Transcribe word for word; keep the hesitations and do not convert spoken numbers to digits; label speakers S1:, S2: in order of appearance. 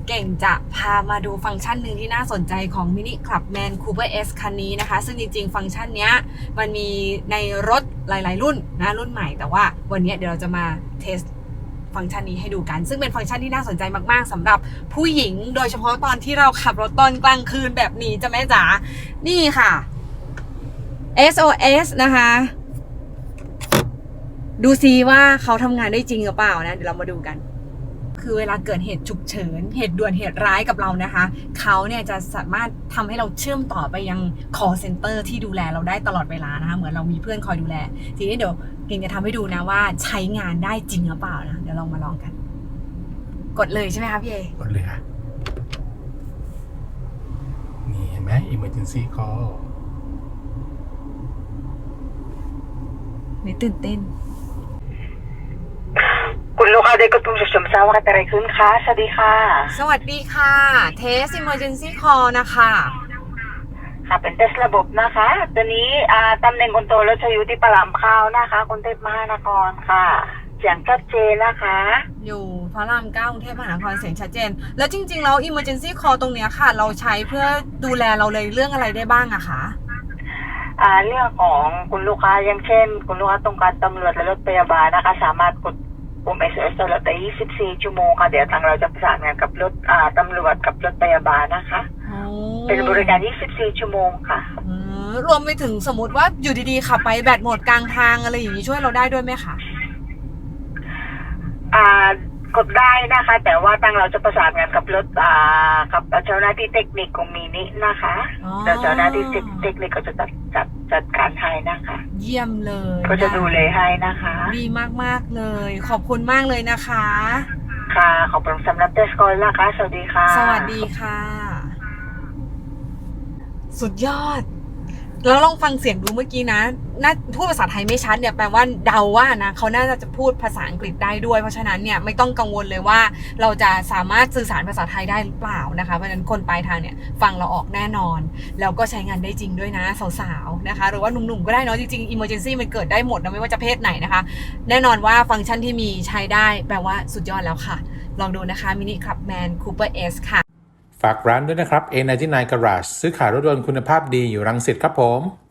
S1: เก่งจะพามาดูฟังก์ชันหนึ่งที่น่าสนใจของ Mini Clubman Cooper S คันนี้นะคะซึ่งจริงๆฟังก์ชันเนี้ยมันมีในรถหลายๆรุ่นนะรุ่นใหม่แต่ว่าวันนี้เดี๋ยวเราจะมาเทสฟังก์ชันนี้ให้ดูกันซึ่งเป็นฟังก์ชันที่น่าสนใจมากๆสำหรับผู้หญิงโดยเฉพาะตอนที่เราขับรถตอนกลางคืนแบบนี้จะแม่จ๋านี่ค่ะ เอส โอ เอส นะคะดูซิว่าเขาทำงานได้จริงหรือเปล่านะเดี๋ยวเรามาดูกันคือเวลาเกิดเหตุฉุกเฉินเหตุด่วนเหตุร้ายกับเรานะคะเขาเนี่ยจะสามารถทำให้เราเชื่อมต่อไปยัง call center ที่ดูแลเราได้ตลอดเวลานะคะเหมือนเรามีเพื่อนคอยดูแลทีนี้เดี๋ยวเก่งจะทำให้ดูนะว่าใช้งานได้จริงหรือเปล่านะเดี๋ยวลองมาลองกันกดเลยใช่ไหมคะพี่เอก
S2: ดเลยค่ะนี่เห็นไหม emergency call
S1: นี่ตื่นเต้น
S3: คุณลูกค้าได้กดปุ่มฉุกเฉินทราบว่าเกิดอะไรขึ้นคะสวัสดีค่ะ
S1: สวัสดีค่ะเทส emergency call นะคะ
S3: ค่ะเป็นเทสระบบนะคะตัวนี้อ่าตำแหน่งคนโตรถจะอยู่ที่ปลามข้าวนะคะกรุงเทพมหานครค่ะเสียงชัดเจนนะคะ
S1: อยู่พระรามเก้ากรุงเทพมหานครเสียงชัดเจนแล้วจริงๆแล้ว emergency call ตรงเนี้ยค่ะเราใช้เพื่อดูแลเราเลยเรื่องอะไรได้บ้างอะคะ
S3: อ่าเรื่องของคุณลูกค้าอย่างเช่นคุณลูกค้าต้องการตำรวจและรถพยาบาลนะคะสามารถกดปุ่ม เอส โอ เอส ตลอดยี่สิบสี่ชั่วโมงค่ะเดี๋ยวทางเราจะประสานงานกับรถอ่าตำรวจกับรถพยาบาลนะคะเป็นบริการยี่สิบสี่ชั่วโมงค่ะ
S1: รวมไปถึงสมมติว่าอยู่ดีๆขับไปแบตหมดกลางทางอะไรอย่างนี้ช่วยเราได้ด้วยไหมคะ
S3: อ่ากดได้นะคะแต่ว่าทางเราจะประสานงานกับรถอ่ากับเจ้าหน้าที่เทคนิคของมินินะคะเดี๋ยวเจ้าหน้าที่เทคนิคก็จะจัดจัดจัดการให้นะคะ
S1: เยี่ยมเลย
S3: ก็จะดูแลให้นะคะ
S1: ดีมากๆเลยขอบคุณมากเลยนะคะ
S3: ค่ะขอบคุณสำหรับเทสคอลนะคะสวัสดีค่ะ
S1: สวัสดีค่ะสุดยอดแล้วลองฟังเสียงดูเมื่อกี้นะน่าพูดภาษาไทยไม่ชัดเนี่ยแปลว่าเดาว่านะเขาน่าจะพูดภาษาอังกฤษได้ด้วยเพราะฉะนั้นเนี่ยไม่ต้องกังวลเลยว่าเราจะสามารถสื่อสารภาษาไทยได้หรือเปล่านะคะเพราะฉะนั้นคนปลายทางเนี่ยฟังเราออกแน่นอนแล้วก็ใช้งานได้จริงด้วยนะสาวๆนะคะหรือว่าหนุ่มๆก็ได้เนาะจริงๆ emergency มันเกิดได้หมดนะไม่ว่าจะเพศไหนนะคะแน่นอนว่าฟังก์ชันที่มีใช้ได้แปลว่าสุดยอดแล้วค่ะลองดูนะคะ Mini Clubman Cooper S ค่ะ
S2: ฝากร้านด้วยนะครับ เอ ไนน์ตี้ไนน์ Garage ซื้อขายรถยนต์คุณภาพดีอยู่รังสิตครับผม